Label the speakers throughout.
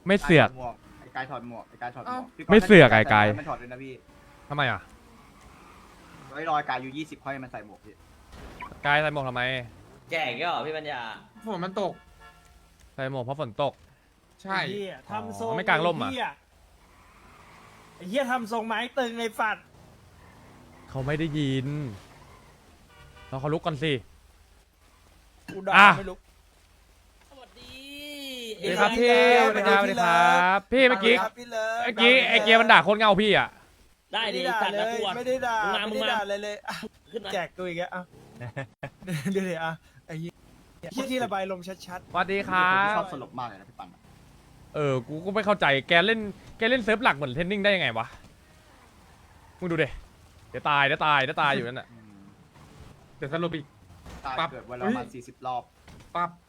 Speaker 1: ไม่เสือก
Speaker 2: ไอ้กายถอดหมวกไอ้กายถอดหมวกพี่
Speaker 1: ไม่เสือกไอ้กาย
Speaker 2: ไม่ถอดเลยนะพี่
Speaker 1: ทำไมอ่ะ
Speaker 2: ไว้รอยกายอยู่20ค่อยมันใส่หมวกพี่
Speaker 1: กายใส่หมวกทำไม
Speaker 3: แก่ก็เหรอพี่ปัญญา
Speaker 4: ฝนมันตก
Speaker 1: ใส่หมวกเพราะฝนตก
Speaker 4: ใช่
Speaker 5: ไอ้เหี้ยทำทรง
Speaker 1: ไม่กลางร่มอะ
Speaker 5: ไอ้เหี้ยทำทรงไม้ตึงไอ้ฝัด
Speaker 1: เขาไม่ได้ยินเราเขาลุกก่อนสิ
Speaker 5: กูด่า
Speaker 1: อ่ะ
Speaker 5: ไม่รู้
Speaker 3: สวัสดี
Speaker 1: สวัสดีครับพี่สวัสดีครับสวัสดีครับพี่เมื่อกี้
Speaker 5: ครับพี่เลิฟ
Speaker 1: เมื่อกี้ไอเกียร์มันด่าโคนเงาพี่อ่ะ
Speaker 3: ได้ดิ
Speaker 5: ไม่
Speaker 3: จัด
Speaker 5: ได้
Speaker 3: นะ
Speaker 5: เล
Speaker 3: ก
Speaker 5: ย
Speaker 3: วน
Speaker 5: ไม่ได้ด่า
Speaker 3: มึงมา
Speaker 5: ไม่ได้ด่าเลยอ่ะ
Speaker 3: ขึ้นมา
Speaker 5: แจกตัวอีกแล้วอ่ะเดี๋ยวอ่ะไอ้เหี้ยที่ระบายลมชัด
Speaker 1: สวัสดีครั
Speaker 2: ผมชอ
Speaker 1: บบ
Speaker 2: สลบมากเลยนะพี่ปังอะ
Speaker 1: กูก็ไม่เข้าใจแกเล่นเซิร์ฟหลักเหมือนเทนนิ่งได้ยังไงวะมึงดูดิเดี๋ยวตายอยู่นั่นน่ะ
Speaker 2: อืม
Speaker 4: เดี๋ยวสรุปอีก
Speaker 2: ตาย
Speaker 4: ปั๊บ
Speaker 2: เกิดวันละประมาณ40 รอบ
Speaker 4: ปั๊บ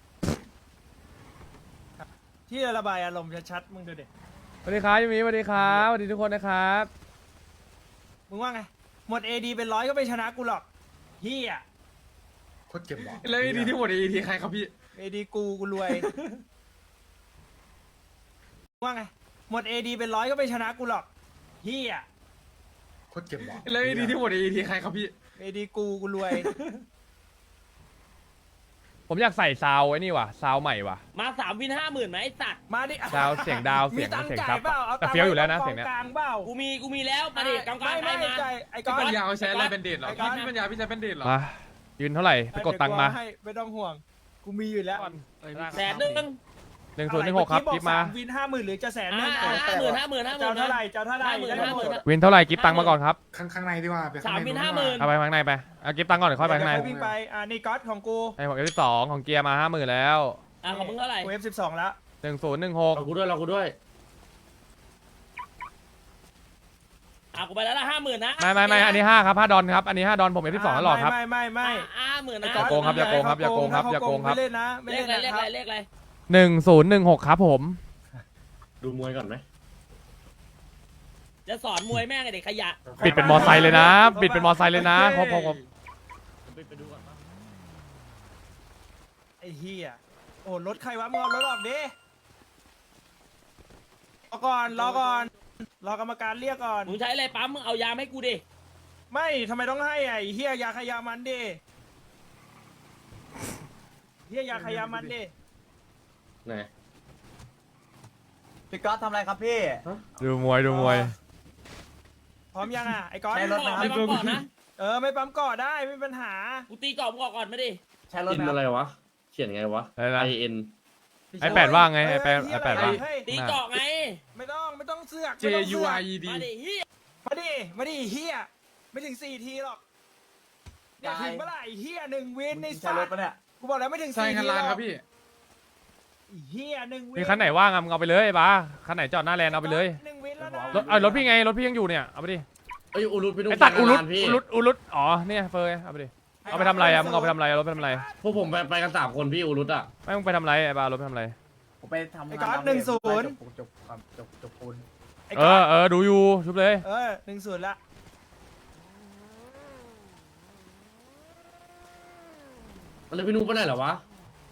Speaker 5: ๆที่ระบายอารมณ์ชัดๆมึงดูดิ
Speaker 1: สวัสดีครับยูมิสวัสดีครับสวัสดีทุกคนนะครับ
Speaker 5: มึงว่าไงหมด AD เป็น100ก็ไม่ชนะกูหรอกเหี้ย
Speaker 2: โคตรเจ็บหวะ
Speaker 4: แล้วดีที่หมดอีทีใครครับพี่
Speaker 5: AD กูรวยมึงว่าไงหมด AD เป็น100ก็ไม่ชนะกูหรอกเหี้ย
Speaker 2: โคตรเจ็บหวะ
Speaker 4: แล้วดีที่หมดอีทีใครครับพี่
Speaker 5: AD กูรวย
Speaker 1: ผมอยากใส่ซาวไอ้นี่ว่ะซาวใหม่ว่ะ
Speaker 3: มา3 วิน 50,000ไหมไอ้สัตว์
Speaker 5: มาดิ
Speaker 1: ดาวเสียงดาวเสียง
Speaker 5: มีตังค์
Speaker 1: เสียง
Speaker 5: จ่า
Speaker 1: ซั
Speaker 5: ย
Speaker 1: บ
Speaker 5: เปล่าอา
Speaker 1: แต่
Speaker 5: ตังค์
Speaker 1: เฟี้ยวอยู่แล้วนะ
Speaker 5: ไว้
Speaker 1: เสียงเนี้ย
Speaker 5: กองกลางเปล่า
Speaker 3: กูมีแล้วมาดิกลางๆ
Speaker 5: ไม่
Speaker 3: ไปมา
Speaker 5: จ่ายไอ้
Speaker 4: พี่
Speaker 5: ก๊อ
Speaker 4: ปัญ
Speaker 5: ต
Speaker 4: ญาเอาใช้อะไรเป็นเดทเหรอ
Speaker 5: ไอ้ก๊อต
Speaker 4: พี่ปัญญาพี่ใช้เป็นเดทเหรอ
Speaker 1: มายืนเท่าไหร่ไปกดตังค์มา
Speaker 5: ให้ไม่ต้องห่วง กูมีอยู่แล้ว
Speaker 1: 1016ครับกิฟมา
Speaker 5: วิน50,000หรือจะแสน
Speaker 3: 50,000
Speaker 5: นะ
Speaker 3: 50,000
Speaker 5: เจ้าเท่าไหร่เจ้าเท่าไหร่
Speaker 3: 50,000
Speaker 1: วินเท่าไหร่กิฟตังค์มาก่อนครับ
Speaker 2: ข้างในดีกว่าไปข้าง
Speaker 3: 3
Speaker 2: ใน
Speaker 3: วิน
Speaker 2: ดีกว่า
Speaker 3: 50,000
Speaker 1: เอาไปข้างในไปเอากิฟตังค์ก่อนเดี๋ยวค่อยไปข้างใน
Speaker 5: วิ่งไปนี่ก๊อตของกู
Speaker 1: ไอ้ผมF12ของเกียร์มา50,000แล้ว
Speaker 3: ของมึงเท่าไหร่
Speaker 5: กู F12 แล้ว
Speaker 1: 1016
Speaker 3: กูด้วยกูไปแล้วละ50,000นะ
Speaker 1: ไม่อันนี้5ครับ5ดอนครับอันนี้5ดอนผมF12ตลอดครับ
Speaker 5: ไม่
Speaker 3: 50,000นะ
Speaker 1: อย่าโกงครับอย่าโกงครับอย่าโกงครับอย่าโกงครับ
Speaker 5: ไม่เล่นนะไม่
Speaker 3: เล
Speaker 5: เล่
Speaker 3: ข
Speaker 5: น
Speaker 3: อะไร
Speaker 5: นะ
Speaker 3: เลข
Speaker 5: ครับ
Speaker 3: อะไรเลขอะไร
Speaker 1: 1016ครับผม
Speaker 6: ดูมวยก่อนไหม
Speaker 3: จะสอนมวยแม่งไอ้เด็กขยะ
Speaker 1: บิดเป็นมอไซค์เลยนะบิดเป็นมอไซค์เลยนะพอ
Speaker 6: ไปดูก่อนปะ
Speaker 5: ไอ้เหี้ยโอ้รถใครวะมึงเอารถออกดิรอก่อนรอกรรมการเรียกก่อน
Speaker 3: มึงใช้อะไรปั๊มมึงเอายาให้กูดิ
Speaker 5: ไม่ทำไมต้องให้ไอ้เฮียยาขยามันดิเฮียยาขยามันดิ
Speaker 6: ไหน
Speaker 2: พี่ก๊อตทำอะไรครับพี่
Speaker 1: ดูมวย
Speaker 5: พร้อมยังอ่ะไอ้ก๊อต
Speaker 2: ใช้รถนะ
Speaker 3: ไม่ปั๊มก่อนนะ
Speaker 5: ไม่ปั๊มก่อได้ไม่มีปัญหา
Speaker 3: กูตีกรอบมึงออกก่อนมาดิ
Speaker 2: ใช้รถ
Speaker 6: อิน
Speaker 2: นะ
Speaker 6: อะไรวะ เขียนไงวะ
Speaker 1: อะไรนะ
Speaker 6: IN
Speaker 1: ไอแปดว่าไงไอแปดว่า
Speaker 5: เฮ้ย
Speaker 3: ตีเกาะไง
Speaker 5: ไม่ต้องเสือก
Speaker 4: J
Speaker 5: ไม่ต้อง
Speaker 4: U
Speaker 5: เสือก
Speaker 4: I E D
Speaker 3: มาดิเฮีย
Speaker 5: มาดิเฮียไม่ถึง4 ทีหรอกเนี่ยถึงเมื่อไหร่เฮีย1 วินใน
Speaker 2: ใช้รถปะเนี่ย
Speaker 5: กูบอกแล้วไม่ถึง
Speaker 4: ใช่
Speaker 5: 4
Speaker 4: คัน
Speaker 5: ที
Speaker 4: ลาน
Speaker 5: หร
Speaker 4: ค
Speaker 5: อ
Speaker 4: รั
Speaker 5: ก
Speaker 4: บพี่
Speaker 5: เฮีย1 วิน
Speaker 1: มีคันไหนว่างอะมึงเอาไปเลยบ้าคันไหนจอดหน้าแลนด์เอาไปเลย
Speaker 5: 1 วินแล้วนะ
Speaker 1: รถพี่ไงรถพี่ยังอยู่เนี่ยเอาไปดิ
Speaker 6: เอ้ยอุรุตไปดู
Speaker 1: ไอตัดอุลุ
Speaker 6: คันลานพี่
Speaker 1: ดอ๋อเนี่ยเฟยเอาไปดิเอาไปทำอะไรอะมึงเอาไปทำอะไรรถไปทำอะไร
Speaker 6: พวกผมไปกัน3 คนพี่อุรุตอ่ะ
Speaker 1: ไม่มึงไปทำอะไรไอ้บ้ารถไปทำอะไร
Speaker 2: ผมไปทำ
Speaker 5: ไอ้
Speaker 2: งาน
Speaker 5: ก๊อต
Speaker 2: ทำเอง
Speaker 5: 1-0
Speaker 2: จบปูน
Speaker 5: ไอ้ก๊อต
Speaker 1: ดูอยู่ชุบเลย
Speaker 5: 1-0ละ
Speaker 6: แล้วพี่นุ๊กไปไหนเหรอวะ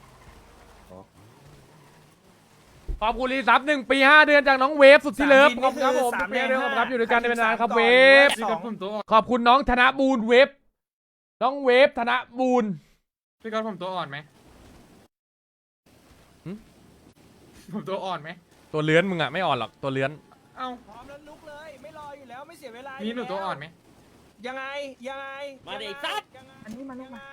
Speaker 1: ขอบคุณรีซับ1 ปี 5 เดือนจากน้องเวฟสุดที่เลิฟขอบคุณครับผมทุกเพลงด้วยขอบคุณครับอยู่ด้วยกันในนานครับเวฟ
Speaker 4: พี่ก๊อตผมตัวอ่อน
Speaker 1: ขอบคุณน้องธนบูรณ์เวฟน้องเวฟธนบูรณ์
Speaker 4: พี่ก๊อตผมตัวอ่อนไหมผมตัวอ่อนไหม
Speaker 1: ตัวเลื้อนมึงอะไม่อ่อนหรอกตัวเลื้อน
Speaker 4: เอ้า
Speaker 5: พร้อมแล้วลุกเลยไม่รออยู่แล้วไม่เสียเวลา
Speaker 4: มี
Speaker 5: มี
Speaker 4: หนูตัวอ่อนไหม
Speaker 5: ยังไง
Speaker 3: มาดิซัด
Speaker 5: อันนี้มาลูกมา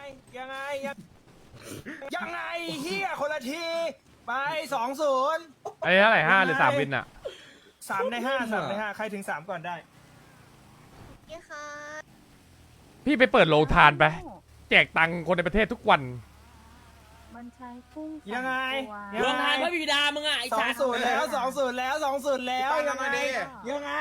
Speaker 5: ยังไงเฮียคนละทีไป2-0
Speaker 1: ไอ้เท่าไหร่5 หรือ 3 วินอะ
Speaker 5: 3 ใน 5ใครถึง3ก่อนได้
Speaker 7: นี่ค่ะ
Speaker 1: พี่ไปเปิดโรงทานไปแจกตังค์คนในประเทศทุกวัน
Speaker 7: มันใช้กุ้ง
Speaker 5: ยังไง
Speaker 3: รวมทานพระบิดามึงอ่ะไอ้สัตว์
Speaker 5: 2-0แล้ว2-0แล้ว2-0แล้วยังไงยังไง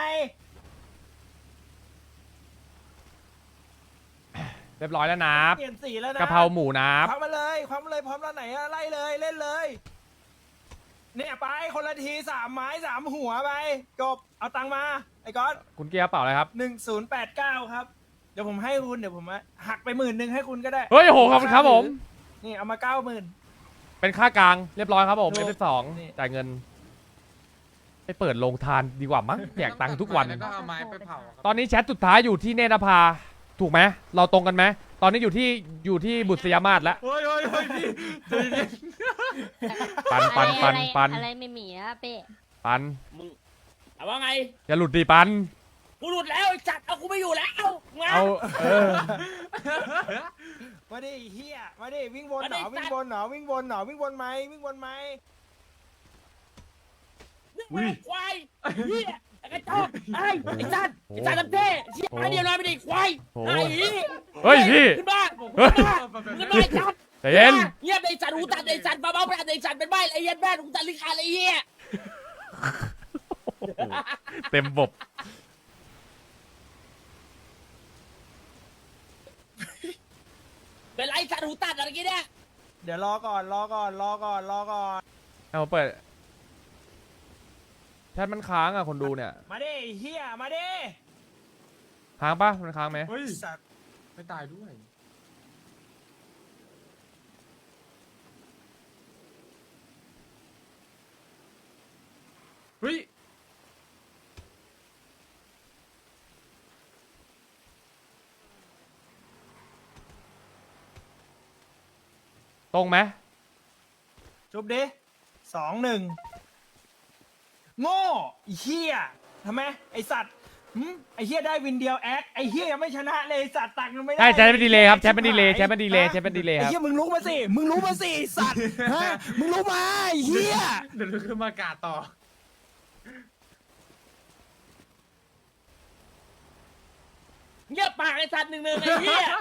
Speaker 1: เรียบร้อยแล้วนะ
Speaker 5: เปลี่ยนสีแล้วนะ
Speaker 1: กะเพราหมูนะ
Speaker 5: ควักมาเลยพร้อมแล้วไหนอะไล่เลยเล่นเลยเนี่ยไปคนละที3 ไม้ 3 หัวไปจบเอาตังค์มาไอ้ก๊อต
Speaker 1: คุณเกียร์เปล่าอะไรครับ
Speaker 5: 1089ครับเดี๋ยวผมให้คุณเดี๋ยวผมหักไป10,000ให้คุณก็ได้
Speaker 1: เฮ้ยโหขอบคุณครับผม
Speaker 5: นี่เอามา90,000
Speaker 1: เป็นค่ากลางเรียบร้อยครับผม
Speaker 5: ถูก
Speaker 1: F2
Speaker 5: นี่
Speaker 1: จ่ายเงินไปเปิดโรงทานดีกว่ามั้งแจกตังค์ทุกวัน
Speaker 4: แล้วก็เอาไม้ไปเผาครับ
Speaker 1: ตอนนี้แชทสุดท้ายอยู่ที่เนตรภาถูกไหมเราตรงกันไหมตอนนี้อยู่ที่บุษยมาศแล้ว
Speaker 4: โอ้ยโอ้ยโอ้ยพี่ใจเย็น
Speaker 1: ปัน
Speaker 7: อะไรไม่มีอะเป้
Speaker 1: ปัน
Speaker 3: มึงเอาว่าไง
Speaker 1: อย่าหลุดดิปัน
Speaker 3: กูหลุดแล้วไอ้สัตว์เอากูไม่อยู่แล้วมา
Speaker 1: เอา
Speaker 5: มาดิไอ้เฮียมาดิวิ่งวน
Speaker 3: มา
Speaker 5: ห
Speaker 3: ดิ
Speaker 5: นอวิ่งวนหนอวิ่งวนหนอวิ่งวนไหมวิ่งวนไหม
Speaker 3: นึ่งมาควายเหี้ยไอ้กระจอกไอ้สัตว์ลำเท่เชี่ยมาเดียวน้อยไม่ได้ควายไอ้เหี้ย
Speaker 1: เฮ้ยพี่
Speaker 3: ขึ้นมา
Speaker 1: เฮ้ย
Speaker 3: ขึ้นมาไอ้สัตว์
Speaker 1: ใจเย็น
Speaker 3: เงียบไอ้สัตว์หูตัดไอ้สัตว์เบาๆไปไอ้สัตว์เป็นใบไอ้เหี้ยแม่หูตัดลิ้นขาดไอ้เหี้ย
Speaker 1: เต็มบบ
Speaker 3: เป็นไรสัตว์หูตัดอะไรกี้เนี่ย
Speaker 5: เดี๋ยวรอก่อนรอก่อนรอก่อนรอก่อน
Speaker 1: เอาเปิดแชทมันค้างอ่ะคนดูเนี่ย
Speaker 5: มาดิไอ้เฮียมาดิ
Speaker 1: ค้างปะมันค้างไหม
Speaker 4: เฮ้ย
Speaker 5: สัตว์
Speaker 4: ไม่ตายด้วยเฮ้ย
Speaker 1: ตรงไหม
Speaker 5: จุบดิ2-1โง่ไอ้เฮียทำไมไอสัตว์ไอเฮียได้วินเดียวแอคไอเฮียยังไม่ชนะเลยไอ้สัตว์ตักมันไม่ได้
Speaker 1: ใช่แชทเป็นดีเลยครับแชทเป็นดีเลยแชทเป็นดีเลยแชทเป็นดีเลย
Speaker 5: ไอ
Speaker 1: ครับ
Speaker 5: เฮียมึงลุกมาสิมึงลุกมาสิไอ้สัตว์ฮะมึงลุกมาไอเฮีย
Speaker 4: เดี๋ยวลุกขึ้นมากาดต่อ
Speaker 3: เงียบปากไอ้สัตว์1-1ไอ้เหี้ย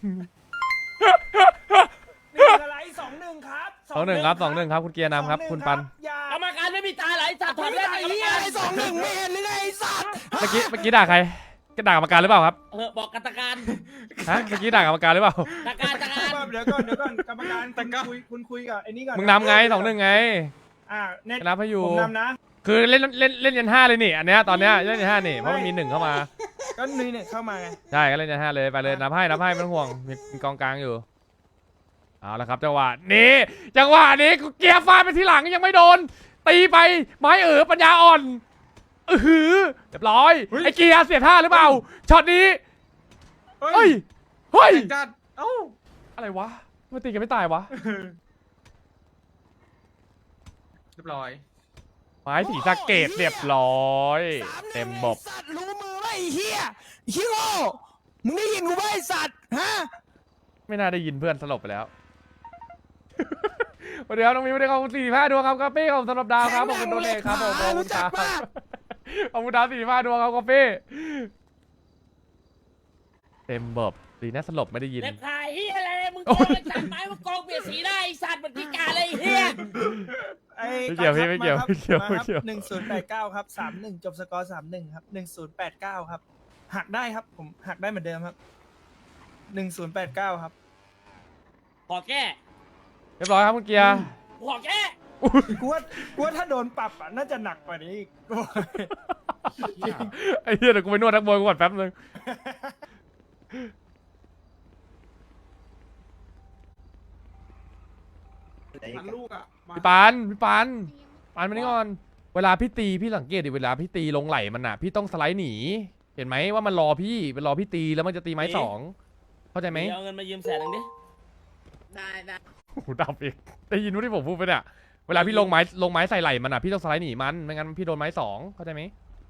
Speaker 5: 1อะไร2-1ครับ
Speaker 1: 2-1ครับ2-1ครับคุณเกียร์นำครับคุณปัน
Speaker 5: อย่าก
Speaker 3: รรมการไม่มีตาไหลสัตว์ถอด
Speaker 5: ไม่
Speaker 3: เล่น
Speaker 5: ได้
Speaker 3: ไอ้
Speaker 5: ไอ้
Speaker 3: เหี้
Speaker 5: เฮี
Speaker 3: ย
Speaker 5: ยไอ้2-1ไม่เห็นหรือไงไอ้สัตว์
Speaker 1: เมื่อกี้ด่าใครก็ด่ากรรมการหรือเปล่าครับ
Speaker 3: บอกกรรมการ
Speaker 1: ฮะเมื่อกี้ด่ากรรมการหรือเปล่า
Speaker 3: ตะการตะการ
Speaker 5: เดี๋ยวก่อนกรรมการคุณคุยกับไอ้นี่ก่อน
Speaker 1: มึงนำไง2-1ไง
Speaker 5: เน็ต
Speaker 1: นับให้อยู่
Speaker 5: ผมนำนะ
Speaker 1: คือเล่นยัน5เลยนี่อันเนี้ยตอนเนี้ยเล่นยัน5นี่เพราะมันมี1เข้ามา
Speaker 5: ก็นี่เนี่ยเข้ามาไง
Speaker 1: ใช่ก็เล่นยัน5เลยไปเลยนับให้ไม่ต้องห่วงมีกองกลางอยู่เอาละครับจังหวะนี้กูเกียร์ฟาดไปทีหลังยังไม่โดนตีไปไม้ปัญญาอ่อนเรียบร้อยไอ้เกียร์เสียท่าหรือเปล่าช็อตนี้
Speaker 4: เฮ้
Speaker 1: เฮ้
Speaker 4: ย
Speaker 1: ยเฮ้ย
Speaker 4: จัดเอ้า
Speaker 1: อะไรวะมันตีกันไม่ตายวะ
Speaker 4: เรียบร้อย
Speaker 1: ไม้สีสะเกตเรียบร้อยเต็มบบ
Speaker 5: สัตว์รู้มือไหมไอ้เฮียเฮียโง่มึงได้ยินกูไหมไอ้สัตว์ฮะ
Speaker 1: ไม่น่าได้ยินเพื่อนสลบไปแล้ว สวัสดีครับน้องมิวได้ขอบคุณ45ดวงครับกาแฟขอบคุณสำหรับดาวครับขอบคุณโดเนทครับผมขอบคุณครับขอบคุณดาว45ดวงครับกาแฟเต็มบบดีนะสลบไม่ได้ยิน
Speaker 3: เล็บขายเหี้ยอะไรมึงโกงไอ้สัตว์ไม้มึงโกงเปลี่ยนสีได้ไอ้สัตว์มันพิการเลยไอ้เหี้ย
Speaker 1: ไม่เกี่ยวพี่ไม่เกี่ยวไม่เกี่ยวไม่เกี่ยว
Speaker 5: 1089ครับ31จบสกอร์31ครับ1089ครับหักได้ครับผมหักได้เหมือนเดิมครับ1089ครับ
Speaker 3: ขอแก้
Speaker 1: เรียบร้อยครับคุณเกียร์
Speaker 3: ขอแก้
Speaker 5: กูว่าถ้าโดนปรับอ่ะน่าจะหนักกว่านี้อีก
Speaker 1: ไอ้เหี้ยเดี๋ยวกูไปนวดนักมวยก่อนแป๊บนึง
Speaker 4: ลูกอ่ะ
Speaker 1: พี่ปานมานี่ก่อนเวลาพี่ตีพี่สังเกตดิเวลาพี่ตีลงไหลมันอ่ะพี่ต้องสไลด์หนีเห็นไหมว่ามันรอพี่ตีแล้วมันจะตีไม้สองเข้าใจไหม
Speaker 3: เอาเงินมายืม100,000ดิ
Speaker 1: หูดับอีกได้ยินว่าที่ผมพูดไปเนี่ยเวลาพี่ลงไม้ใส่ไหลมันอ่ะพี่ต้องสไลด์หนีมันไม่งั้นพี่โดนไม้สองเข้าใจไหม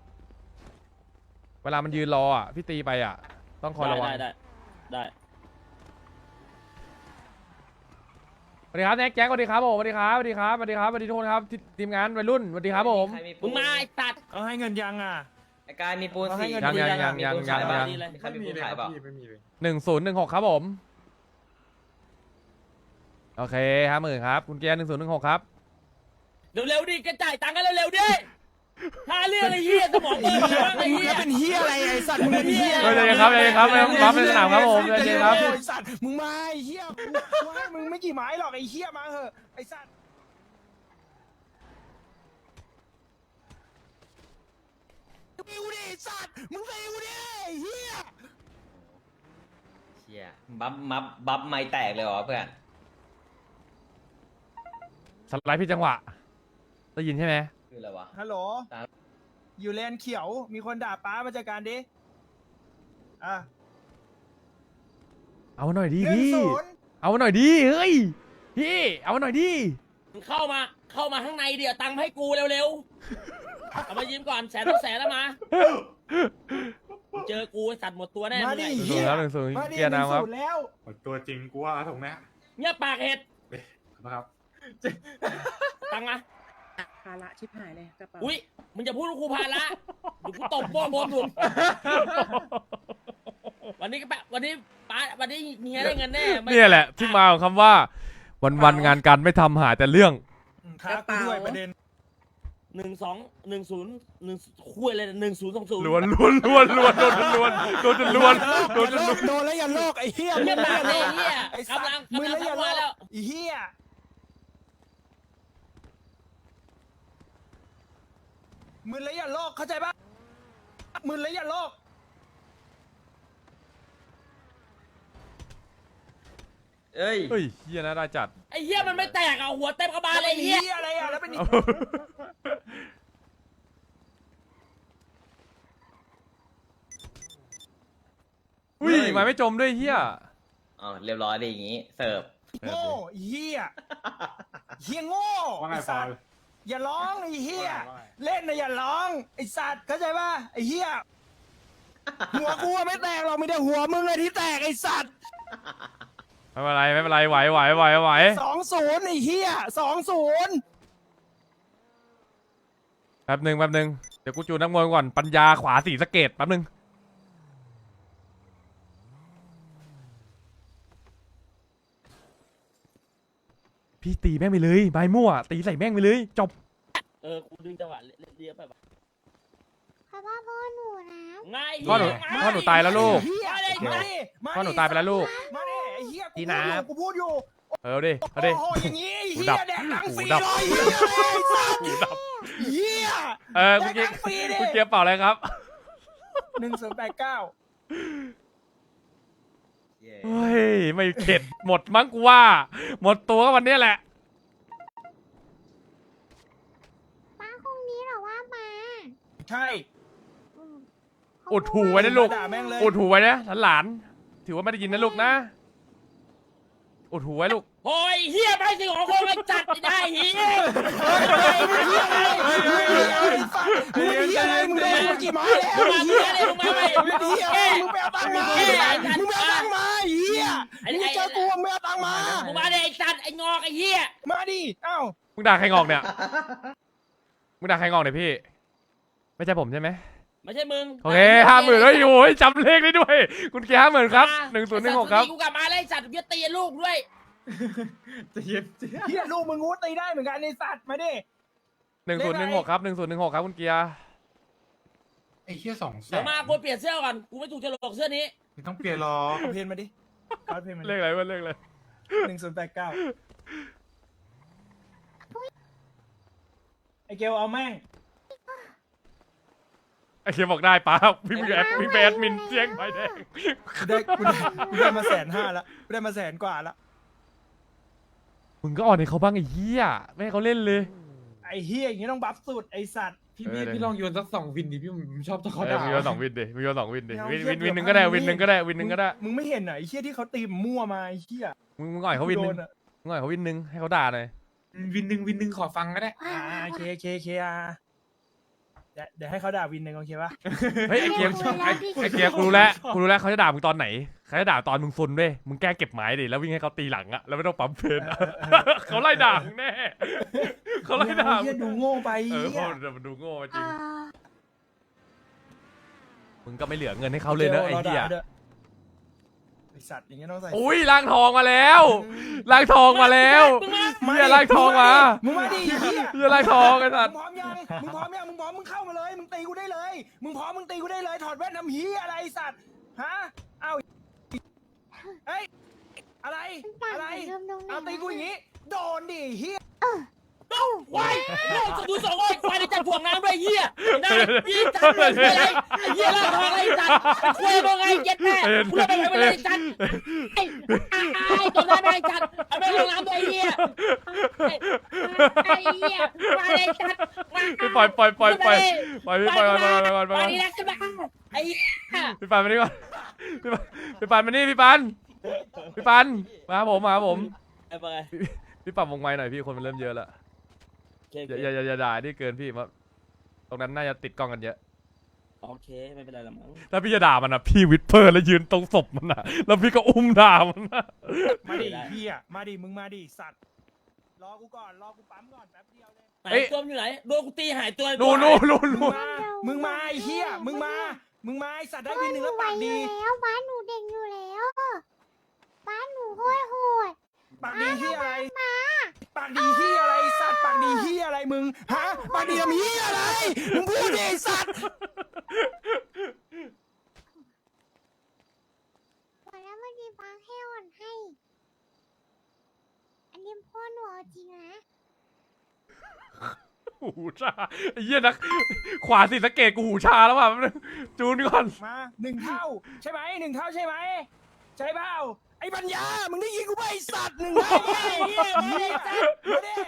Speaker 1: เวลามันยืนรออ่ะพี่ตีไปอ่ะต้องคอยระวัง
Speaker 3: ได้
Speaker 1: สวัสดีครับแน็กแจ็คสวัสดีครับผมสวัสดีครับสวัสดีทุกคนครับทีมงานวัยรุ่นสวัสดีครับผม
Speaker 3: มึงมาไอ้สัตว์
Speaker 5: เอาให้เงินยังอ่ะ
Speaker 8: ไอ้กายมีปูน
Speaker 5: เอาให้
Speaker 8: สี่
Speaker 5: เงิน
Speaker 1: ยัง
Speaker 8: ขายบ้าง
Speaker 3: ดีเลย
Speaker 8: ใคร
Speaker 4: ไม่
Speaker 8: มี
Speaker 4: มี
Speaker 8: ปูน
Speaker 4: เลย
Speaker 8: ขาย
Speaker 4: ค
Speaker 8: เป
Speaker 4: รับ
Speaker 8: ล่า
Speaker 4: พี่ไม่มีเลย
Speaker 1: 1016ครับผมโอเค50,000ครับคุณเกียร์1016ครับ
Speaker 3: เร็วๆดิกระจ่ายตังค์กันเร็วๆดิหาเรื่องไอ้เหี้ยสมองเปิดบ้างไอ้
Speaker 5: มึง
Speaker 3: เหี้ย
Speaker 5: เป็นเฮียอะไรไอ้สัตว์มึงเป็นเฮีย
Speaker 1: เใจเย็นครับไม่ต้องรับในสนามครับผมใจเย็นครับ
Speaker 5: ไอ้สัตว์มึงมาไอ้เฮียกูให้มึงไม่กี่ไม้หรอกไอ้เฮียมาเหอะไอ้สัตว์ฟิวดิไอ้สัตว์มึงฟิวดิไอ้เฮีย
Speaker 8: เชี่ยบัฟไม่แตกเลยเหรอเพื่อน
Speaker 1: สไลด์พี่จังหวะได้ยินใช่ไหม
Speaker 8: คืออะไรวะ
Speaker 5: ฮัลโหล
Speaker 8: ครับ
Speaker 5: อยู่เลนเขียว มีคนด่าป้ามาจัดการดิ อ่ะ
Speaker 1: เอาหน่อยดิ
Speaker 5: 1-0
Speaker 1: พี่ เอาหน่อยดิ เฮ้ย พี่ เอาหน่อยดิ
Speaker 3: มึงเข้ามาข้างในเดี๋ยวตังค์ให้กูเร็วๆเอามายืมก่อน100,000แล้วมาเจอกูไอ้สัตว์หมดตัวแน่
Speaker 5: มา
Speaker 3: มึง
Speaker 5: ดิ
Speaker 3: ไอ้
Speaker 1: 1-0
Speaker 3: เหี้ย
Speaker 1: แล้ว1-0
Speaker 5: มาดิ
Speaker 1: เกียร์น้ำครับ
Speaker 5: 1-0แล้ว
Speaker 4: ตัวจริงกูว่าตรงเนี้ย
Speaker 3: เงียบปากเห็ด
Speaker 4: นะครับ
Speaker 3: ตังค์มา
Speaker 9: ภาระชิบหายเลยกระเป๋า
Speaker 3: อุ้ยมึงจะพูดว่ากูพาละเดี๋ยวกูตบโป้บนถูกวันนี้ก็แบบวันนี้ป้าวันนี้เฮียได้เงินแน่ไม่
Speaker 1: เนี่ยแหละที่มาของคำว่า วันๆงานการไม่ทำหาแต่เรื่อง
Speaker 5: ท้ากูด้วยประเด็น
Speaker 3: 1210คุยเลย1020
Speaker 1: ล้วนโดนจนล้วนโดนจนล้วน
Speaker 5: โดนแล้วอย่าโลกไอ้เหี้ย
Speaker 3: เงียบปากเลยไอ้เฮีย
Speaker 5: ไอ้สัต
Speaker 3: กำลัง
Speaker 5: ว์มือแล้วอย่าโล
Speaker 3: มากแล้ว
Speaker 5: ไอ้เหี้ยมือแล้วอย่าโลกเข้าใจปะมือแล้วอย่าโลก
Speaker 8: เอ้ย
Speaker 1: เฮ้ยเฮียน่าได้จัด
Speaker 3: ไอ้เฮียมันไม่แตกอ่ะหัวเต็มกระบาลเลยไอ้เฮีย
Speaker 5: อะไรอ่ะแล้วเป็น
Speaker 1: อุ้ยมาไม่จมด้วยเฮีย
Speaker 8: อ๋อเรียบร้อยดีอย่างงี้ เสิร์ฟ
Speaker 5: โง่ไอ้เหี้ยเหี้ยโง่
Speaker 4: ว่าไง
Speaker 5: ไอ้
Speaker 4: ฟ
Speaker 5: สั
Speaker 4: อ
Speaker 5: ต
Speaker 4: ล
Speaker 5: ว์อย่าร้องไอ้เหี้ย
Speaker 4: ว่าไง
Speaker 5: เล่นนะอย่าร้องไอ้สัตว์เข้าใจป่ะไอ้เหี้ยหัวกูอะไม่แตกหรอกมีแต่หัวมึงเลยที่แตกไอ้สัตว์
Speaker 1: ไม่เป็นไรไม่เป็นไรไหว
Speaker 5: 2-0ไอ้เหี้ย2-0
Speaker 1: แป๊บหนึ่งเดี๋ยวกูจูนนักมวยก่อนปัญญาขวาสีสะเกตแป๊บหนึ่งพี่ตีแม่งไปเลยใบมั่วตีใส่แม่งไปเลยจบ
Speaker 3: กูดึงจังหวะเรียบไปปะ
Speaker 7: เพราะว่าพ่อหนูนะ
Speaker 3: ง่าย
Speaker 1: พ่อหนูตายแล้วลูก
Speaker 5: เหี้ยมาดิ
Speaker 1: พ่อหนูตายไปแล้วลูก
Speaker 5: มาดิไอ้เหี้ย
Speaker 1: พี่น้ำ
Speaker 5: กูพูดอยู่
Speaker 1: เอาดิ
Speaker 5: โอ้โหอย่างงี้ไอ้
Speaker 1: หู
Speaker 5: เหี้
Speaker 1: ดั
Speaker 5: ย
Speaker 1: บ
Speaker 5: แดกหนังฟรี
Speaker 1: หูดับ
Speaker 5: เลยเหี้ยไอ้สัตว์
Speaker 1: หูดับ
Speaker 5: เหี้ย
Speaker 1: คุณเกียร์
Speaker 5: แดกหนังฟรีดิ
Speaker 1: คุณเกียร์เปล่าอะไรครับ
Speaker 5: 1089
Speaker 1: เฮ้ยไม่เข็ดหมดมั้งกูว่า หมดตัวก็วันนี้แหละ
Speaker 7: ป้าคงนี้เหรอว่ามา
Speaker 5: ใช่
Speaker 1: อุดหูไว้นะลูก
Speaker 5: ด่าแม่งเลย
Speaker 1: อุดหูไว้นะหลานๆถือว่าไม่ได้ยินนะลูกนะอุดหูไว้ลูก
Speaker 3: โอ้ยเฮียไปสิของคนไม่จัดไม่ได้เฮีย
Speaker 5: มึงเหี้ยอะไรมึงโดนกูกี่ไม้แล้ว
Speaker 3: มึงมา
Speaker 5: เหี้ย
Speaker 3: เลยมึงมาไป
Speaker 5: มึงเหี้ยอะไรมึงไปเอาตังค์มามึงไปเอาตังค์มาเหี้ยมึงเจอกูมึงเอาตังค์มา
Speaker 3: มึงมาเลยไอ้จัดไอ้งอกไอ้เฮีย
Speaker 5: มาดิเอ้า
Speaker 1: มึงด่าใครงอกเนี่ยมึงด่าใครงอกเนี่ยพี่ ไม่ใช่ผมใช่ไหม
Speaker 3: ไม่ใช่มึง
Speaker 1: โอเค50,000แล้วอยู่จำเลขได้ด้วย คุณเกียร์50,000ครับ1016ครับ
Speaker 3: กูกลับมาเลยจัดเบี้ยตีลูกด้วย
Speaker 4: จะเย็นจะ
Speaker 5: เหี้ยลูกมึงงูตีได้เหมือนกันไอ้สัตว์มาดิ
Speaker 1: 1016ครับ1016ครับคุณเกียร์
Speaker 4: ไอ้เหี้ย200,000
Speaker 3: เดี๋ยวมากูเปลี่ยนเสื้อก่อนกูไม่ถูกฉลกเสื้อนี้
Speaker 4: ไม่ต้องเปลี่ยนหรอก
Speaker 5: เอาเพลงมาดิเอาเพลงมา
Speaker 1: เลขอะไรวะเลขอะไร
Speaker 5: 1089ไอเกลเอาแม่ง
Speaker 1: ไอ้เกียร์บอกได้ป้าพี่แบดมินเจียงใบแดง
Speaker 5: กูได้มา150,000ละกูได้มา100,000 กว่าละ
Speaker 1: มึงก็อ่อนให้เขาบ้างไอ้เหี้ยไม่ให้เขาเล่นเลย
Speaker 5: ไอ้เฮียอย่างงี้ต้องบัฟสุดไอ้สัตว์
Speaker 4: พี่ลองโยนสัก2 วินดิพี่ผมชอบตะเขา
Speaker 1: เออ
Speaker 4: ด่า
Speaker 1: มีโยน2 วินดิมีโยน2 วินดิ
Speaker 5: ไม่เอา
Speaker 1: วิน
Speaker 5: เหี้ย
Speaker 1: หนึ่งก็ได้
Speaker 5: เดี๋ยว
Speaker 1: วินหนึ่งก็ได้วินหนึ่งก็ได้
Speaker 5: มึงไม่เห็นเหรอไอ้เฮียที่เขาตีมั่วมาไอ้เฮีย
Speaker 1: มึงอ่อยเขาวินหนึ่ง
Speaker 5: โดอะ
Speaker 1: มึงอ่อยเขาวินหนึ่งให้เขาด่าหน่อย
Speaker 4: วินหนึ่งขอฟังก็ได้
Speaker 5: เคเดี๋ยวให้เขาด่าวินหนึ่งโอเคปะ
Speaker 1: เฮ้ยไอ้เกียร์
Speaker 7: คุยแล้วพี่
Speaker 1: ไอ้เกียร์กูรู้แล้วเขาจะด่ามึงตอนไหนเขาจะด่าตอนมึงซนด้วยมึงแกล้งเก็บไม้ดิแล้ววิ่งให้เขาตีหลังอะแล้วไม่ต้องปั๊มเพนอะเขาไล่ด่ามึงแน่เขาไล่ด่า
Speaker 5: เฮียดูโง่ไป
Speaker 1: เออ
Speaker 5: เฮี
Speaker 7: À.
Speaker 1: เพราะมันดูโง่จริงมึงก็ไม่เหลือเงินให้เขาเลยนะไอ้เหี้ย
Speaker 5: ไอ้สัตว์อย่างเงี้ยต้องใส่
Speaker 1: อุ้ยล่างทองมาแล้วล่างทองมาแล้วเฮียล่างทองมา
Speaker 5: มึงมาดิเฮีย
Speaker 1: เฮียล่างทองไอ้สัตว์
Speaker 5: มึงพร้อมยังมึงพร้อมยังมึงพร้อมมึงเข้ามาเลยมึงตีกูได้เลยมึงพร้อมมึงตีกูได้เลยถอดแว่นทำเฮียอะไรไอ้สัตว์ฮะเอาเฮ้ยอะไร
Speaker 7: ต่าง
Speaker 5: อะไร
Speaker 7: กันเริ่มตรงไหน
Speaker 5: เอาตีกูอย่างงี้โดนดิเฮีย
Speaker 3: โดควายดูสองไอ้ควายในจัดถ่วงน้ำด้วยเหี้ยได้ยี่จัดเลยอะไรไอ้เหี้ยล่าทองไอ้จัดควายตัวไงเย็ดแม่กูเลิกไปเลยจัดไอ้ตัวนั้นไอ้จัดไอ้แม่ลงน้ำด้วยเหี้ยไอ้เหี้ยมาเลยจัด
Speaker 1: พี่ปล่อยพี่ปล่อยก่อน
Speaker 3: นี่นะขึ้นมาไอ้
Speaker 1: พี่ปันมานี่ก่อนพี่ปันมานี่พี่ปันมาหาผม
Speaker 3: ไอ้ไป
Speaker 1: พี่ปรับวงไม้หน่อยพี่คนมันเริ่มเยอะแล้วอย่าด่านี่เกินพี่มาตรงนั้นน่าจะติดกล้องกันเยอะ
Speaker 3: โอเคไม่เป็นไรละมั้ง
Speaker 1: ถ้าพี่จะด่ามันนะพี่วิดเพอร์แล้วยืนตรงศพมันนะแล้วพี่ก็อุ้มด่ามันนะ
Speaker 5: มาดิเฮียมาดิมึงมาดิสัตว์รอกูก่อนรอกูปั๊มก่อนแป๊บเดียวเลย
Speaker 3: ไหนตัวอยู่ไหนโดนกูตีหายตัว
Speaker 1: นู่น
Speaker 5: มึงมาไอ้เฮียมึงมาไอ้สัตว์ได้วินหนึ่งแล้วปากดี
Speaker 7: แล้วบ้านหนูเด็กอยู่แล้วบ้านหนูโหดโหด
Speaker 5: ปากดีเฮียอะไร
Speaker 7: มา
Speaker 5: ปากดีเฮียอะไรสัตว์ปากดีเฮียอะไรมึงฮะปากดีทำเฮียอะไรมึงพูดดิไอ้สัตว์
Speaker 7: วันแล้วมันมีบางให้อ่อนให้ อันนี้พ่อหนูเอาจริงนะ
Speaker 1: หูชาไอ้เหี้ยนักขวาสิสะเกตกูหูชาแล้วว่ะจูนก่อน
Speaker 5: มา1 เท่าใช่ไหม1 เท่าใช่ไหมใช่เปล่าไอ้ปัญญามึงได้ยินกูไหมไอ้สัตว์1 เท่าเฮียมาดิมาดิ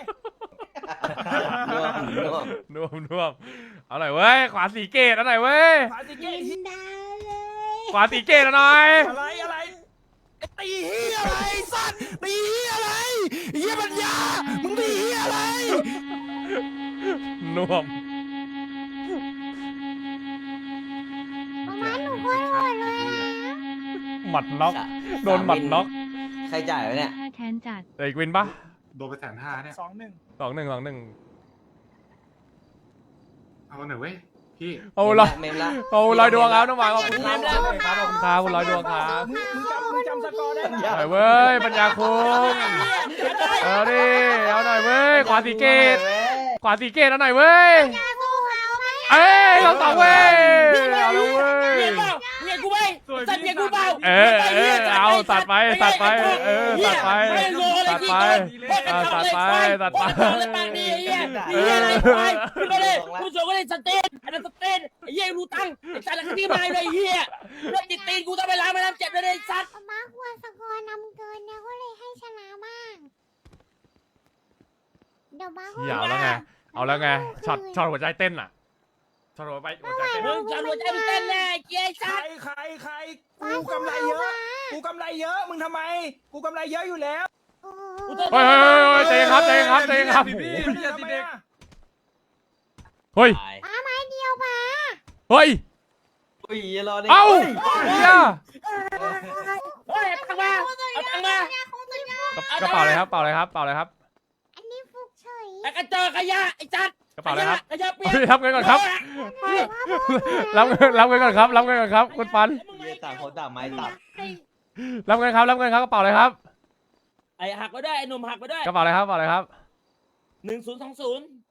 Speaker 8: ร่วม
Speaker 1: เอาหน่อยเว้ยขวาสีเกตเอาหน่อยเว้ย
Speaker 5: ปาติเกต
Speaker 7: ดาเลย
Speaker 1: ขวาสีเกตเอาหน่อย
Speaker 5: อะไรไอ้ตีเฮียอะไรสัตว์ตีเฮียอะไรเฮียปัญญามึงตีเฮียอะไร
Speaker 1: น่วม
Speaker 7: บ้านหนูโหดโหดเลยนะ
Speaker 1: หมัดน็อกโดนหมัดน็อก
Speaker 8: ใครจ่ายวะเนี่ย
Speaker 9: แค้นจัด
Speaker 1: แต่อีกวินปะ
Speaker 4: โดนไป150,000เนี่ย
Speaker 5: 2-1
Speaker 1: 2-1
Speaker 4: เอาหน่อยเว้ยพี่
Speaker 1: เอาละ
Speaker 8: เมมละ
Speaker 1: เอาลอยดวงครับน้องหมาขอบคุณครับขอบคุณครับคุณลอยดวงครับ
Speaker 5: มึงจำสกอร์ได้ไหม
Speaker 1: หน่อยเว้ยปัญญาคุงเอาดิเอาหน่อยเว้ยขวาสีเกตขวาสีเกตเอาหน่อยเว้ย
Speaker 7: ยาสู้เขาไหม
Speaker 1: เอ้ยเราสองเว้ยเอาแล้วเว้ย
Speaker 3: เมียกูไปสัตว์เมียกูเปล่า
Speaker 1: เอาตัดไปตัดไปตัดไปตัดไปตัดไป
Speaker 3: ปากดีเหี้ยเหี้ยอะไรควายขึ้นมาเลยกูส่งก็เลยสเตนอันนั้นสเตนไอ้เหี้ยรู้ตังค์ไอ้สัตว์อะไรที่มาเลยเหี้ยเรื่องติดตีนกูต้องไปล้างแม่น้ำเจ็บเลยไอ้สัตว์
Speaker 7: มาควรสกอร์นำเกินนะก็เลยให้ชนะบ้างเดี๋ยวบ้า
Speaker 1: อย่าเอาแล้วไงเอาแล้วไงช็อตหัวใจเต้นอ่ะช็อตหัวใจเต้น
Speaker 3: มึงจะหัวใจมึงเต้นแน่เกียร์
Speaker 5: ใคร
Speaker 3: สัตว์
Speaker 5: ใครกูกำไรเยอะกูกำไรเยอะมึงทำไมกูกำไรเยอะอยู่แล้ว
Speaker 1: เฮ้ยใจครับใจครับใจครับ
Speaker 5: ทำไมอะ
Speaker 1: เฮ้ย
Speaker 7: ป้าไม้เดียวป้า
Speaker 1: เฮ้ย
Speaker 8: อุ้ยรอดิ
Speaker 1: เอ้าเฮีย
Speaker 3: เฮ้ยตังมาเอาตังมาก
Speaker 1: ระเป๋าเลยครับเป๋าเลยครับเป๋าเลยครับ
Speaker 7: อันนี้ฟุกเฉย
Speaker 3: ไอ้กระเจอขยะไอ้จัด
Speaker 1: กระเป๋าเลยครับ
Speaker 3: ขยะเปียก
Speaker 1: รับเงินก่อนครับรับเงินก่อนครับรับเงินก่อนครับคุณปัน
Speaker 8: เยี่ยต่างคนต่างไม้ตัด
Speaker 1: รับเงินครับกระเป๋าเลยครับ
Speaker 3: ไอ้หักไปด้วยไอ้หนุ่มหักไปด้วย
Speaker 1: กระเป๋าเลยครับ
Speaker 3: 1020